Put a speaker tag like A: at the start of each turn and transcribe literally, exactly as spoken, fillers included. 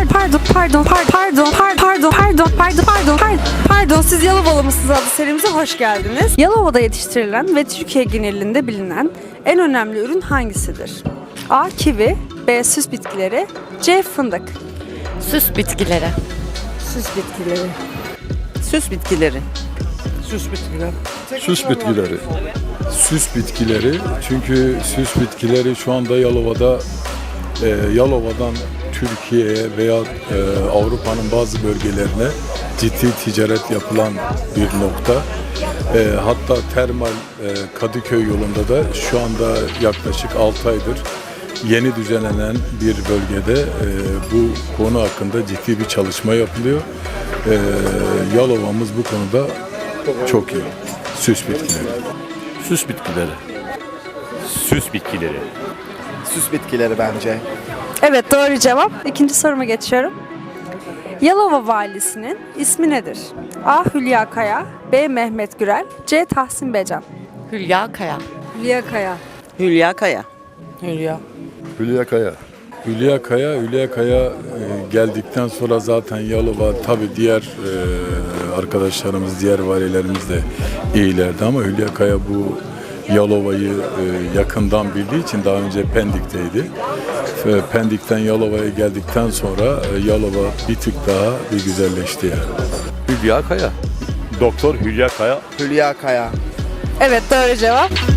A: pardon, pardon, pardon, pardon, pardon, pardon, pardon, pardon, pardon, pardon, pardon. Siz Yalovalı mısınız adlı serimize hoş geldiniz. Yalova'da yetiştirilen ve Türkiye genelinde bilinen en önemli ürün hangisidir? A. Kivi, B. Süs bitkileri, C. Fındık.
B: Süs bitkileri.
A: Süs bitkileri.
C: Süs bitkileri.
D: Süs bitkiler.
E: Süs bitkileri. Süs bitkileri çünkü süs bitkileri şu anda Yalova'da e, Yalova'dan Türkiye'ye veya e, Avrupa'nın bazı bölgelerine ciddi ticaret yapılan bir nokta. E, hatta Termal e, Kadıköy yolunda da şu anda yaklaşık altı aydır yeni düzenlenen bir bölgede e, bu konu hakkında ciddi bir çalışma yapılıyor. E, Yalova'mız bu konuda çok iyi. Süs bitkileri.
D: Süs bitkileri.
F: Süs bitkileri.
G: Süs bitkileri bence.
A: Evet, doğru cevap. İkinci soruma geçiyorum. Yalova valisinin ismi nedir? A. Hülya Kaya, B. Mehmet Gürel, C. Tahsin Becan.
B: Hülya Kaya.
A: Hülya Kaya.
C: Hülya Kaya.
D: Hülya.
E: Hülya Kaya. Hülya Kaya, Hülya Kaya e, geldikten sonra zaten Yalova tabii diğer e, arkadaşlarımız, diğer valilerimiz de iyilerdi ama Hülya Kaya bu Yalova'yı e, yakından bildiği için daha önce Pendik'teydi. E, Pendik'ten Yalova'ya geldikten sonra e, Yalova bir tık daha bir güzelleşti yani.
D: Hülya Kaya.
F: Doktor Hülya Kaya.
G: Hülya Kaya.
A: Evet, doğru cevap.